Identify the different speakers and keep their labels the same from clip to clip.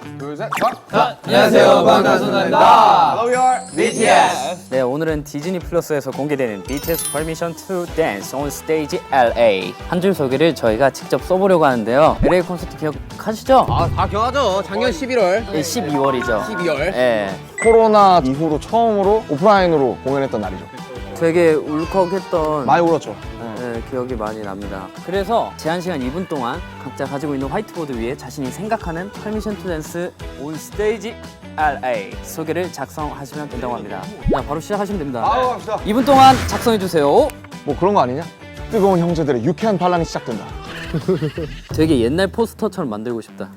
Speaker 1: 둘, 셋,
Speaker 2: 안녕하세요, 방탄소년단입니다.
Speaker 1: Hello, we are
Speaker 2: BTS.
Speaker 3: 네, 오늘은 디즈니 플러스에서 공개되는 BTS Permission to Dance on Stage LA 한 줄 소개를 저희가 직접 써보려고 하는데요. LA 콘서트 기억하시죠?
Speaker 2: 다 기억하죠? 작년 11월.
Speaker 3: 네, 12월이죠.
Speaker 2: 12월.
Speaker 3: 네,
Speaker 1: 코로나 이후로 처음으로 오프라인으로 공연했던 날이죠.
Speaker 3: 되게 울컥했던
Speaker 1: 많이 울었죠.
Speaker 3: 네, 기억이 많이 납니다. 그래서 제한 시간 2분 동안 각자 가지고 있는 화이트보드 위에 자신이 생각하는 Permission to Dance on Stage LA 소개를 작성하시면 된다고 합니다. 자, 바로 시작하시면 됩니다.
Speaker 1: 갑시다.
Speaker 3: 2분 동안 작성해 주세요.
Speaker 1: 뭐 그런 거 아니냐? 뜨거운 형제들의 유쾌한 반란이 시작된다.
Speaker 3: 되게 옛날 포스터처럼 만들고 싶다.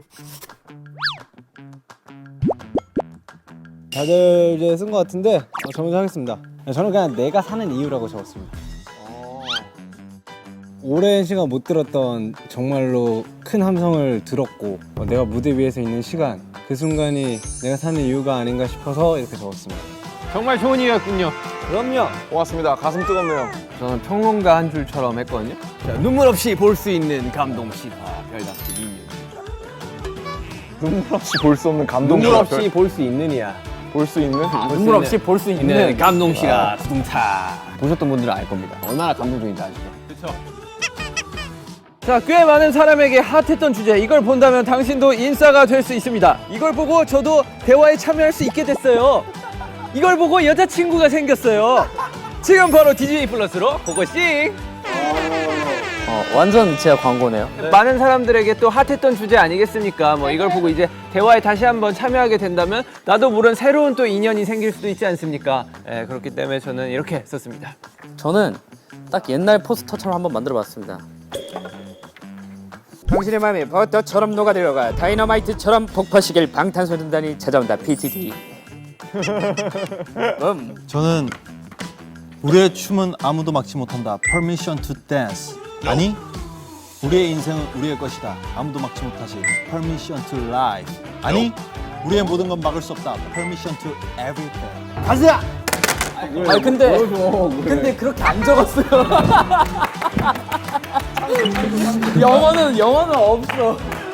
Speaker 4: 다들 이제 쓴 것 같은데 저 먼저 하겠습니다. 저는 그냥 내가 사는 이유라고 적었습니다. 오랜 시간 못 들었던 정말로 큰 함성을 들었고 내가 무대 위에서 있는 시간 그 순간이 내가 사는 이유가 아닌가 싶어서 이렇게 적었습니다.
Speaker 2: 정말 좋은 이유였군요.
Speaker 4: 그럼요.
Speaker 1: 고맙습니다. 가슴 뜨겁네요.
Speaker 2: 저는 평론가 한 줄처럼 했거든요. 자, 눈물 없이 볼 수 있는 감동 실화 별답지 미니언.
Speaker 1: 눈물 없이 볼 수 없는 감동.
Speaker 2: 눈물 없이 볼 수 있느냐?
Speaker 1: 볼 수 있는.
Speaker 3: 눈물 없이 볼 수 있는
Speaker 2: 감동 실화 두둥타. 보셨던 분들은 알 겁니다. 얼마나 감동적인지 아시죠? 그렇죠. 자, 꽤 많은 사람에게 핫했던 주제, 이걸 본다면 당신도 인싸가 될 수 있습니다. 이걸 보고 저도 대화에 참여할 수 있게 됐어요. 이걸 보고 여자친구가 생겼어요. 지금 바로 디즈니 플러스로 고고싱!
Speaker 3: 완전 제가 광고네요.
Speaker 2: 많은 사람들에게 또 핫했던 주제 아니겠습니까? 뭐 이걸 보고 이제 대화에 다시 한번 참여하게 된다면 나도 모르는 새로운 또 인연이 생길 수도 있지 않습니까? 예, 그렇기 때문에 저는 이렇게 썼습니다.
Speaker 3: 저는 딱 옛날 포스터처럼 한번 만들어봤습니다. 당신의 마음이 버터처럼 녹아들어가 다이너마이트처럼 폭파시킬 방탄소년단이 찾아온다. PTD.
Speaker 5: 저는 우리의 춤은 아무도 막지 못한다. Permission to dance. 아니, 우리의 인생은 우리의 것이다. 아무도 막지 못하지. Permission to life. 아니, 우리의 모든 건 막을 수 없다. Permission to everything. 가자!
Speaker 3: 아니 근데 그렇게 안 적었어요. 영어는 없어.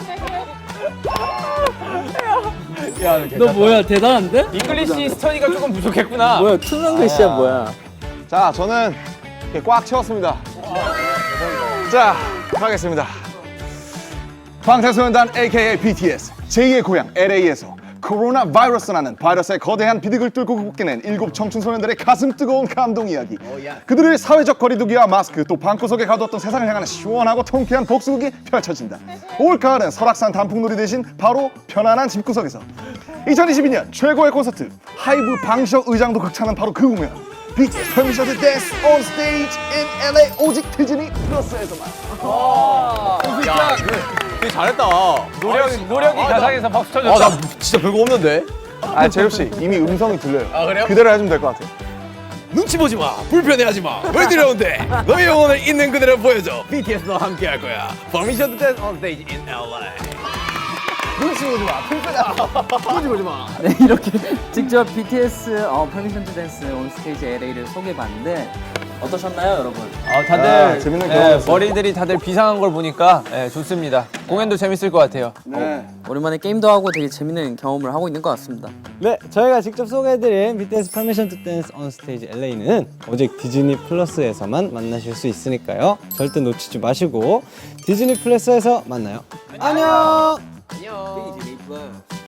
Speaker 3: 너 뭐야, 대단한데?
Speaker 2: 잉글리시 스터디가 조금 부족했구나.
Speaker 3: 뭐야, 투명 글씨야 뭐야?
Speaker 1: 자, 저는 이렇게 꽉 채웠습니다. 자, 가겠습니다. 방탄소년단 AKA BTS 제2의 고향 LA에서 코로나 바이러스라는 바이러스의 거대한 비극을 뚫고 극복해낸 7 청춘 소년들의 가슴 뜨거운 감동 이야기. 그들의 사회적 거리두기와 마스크 또 방구석에 가두었던 세상을 향하는 시원하고 통쾌한 복수극이 펼쳐진다. 올가을은 설악산 단풍놀이 대신 바로 편안한 집구석에서 2022년 최고의 콘서트 하이브 방시혁 의장도 극찬한 바로 그 공연 BTS Permission to Dance on Stage in LA 오직 디즈니 플러스에서만.
Speaker 2: 되게 잘했다. 노력이 가상에서 박수 쳐줬다.
Speaker 1: 나 진짜 별거 없는데? 아, 재엽 씨 이미 음성이 들려요.
Speaker 2: 아, 그래요?
Speaker 1: 그대로 해주면 될 것 같아요.
Speaker 6: 눈치 보지 마, 불편해하지 마. 왜 두려운데? 너의 영혼을 있는 그대로 보여줘. BTS와 함께 할 거야. Permission to Dance on Stage in LA.
Speaker 3: 네, 이렇게 직접 BTS Permission to Dance on Stage LA를 소개해봤는데 어떠셨나요, 여러분?
Speaker 2: 다들
Speaker 1: 재밌는 경험이었어요.
Speaker 2: 머리들이 다들 비상한 걸 보니까 좋습니다. 공연도 재밌을 것 같아요.
Speaker 3: 오랜만에 게임도 하고 되게 재밌는 경험을 하고 있는 것 같습니다.
Speaker 4: 네, 저희가 직접 소개해드린 BTS Permission to Dance on Stage LA는 오직 디즈니 플러스에서만 만나실 수 있으니까요. 절대 놓치지 마시고 디즈니 플러스에서 만나요. 안녕.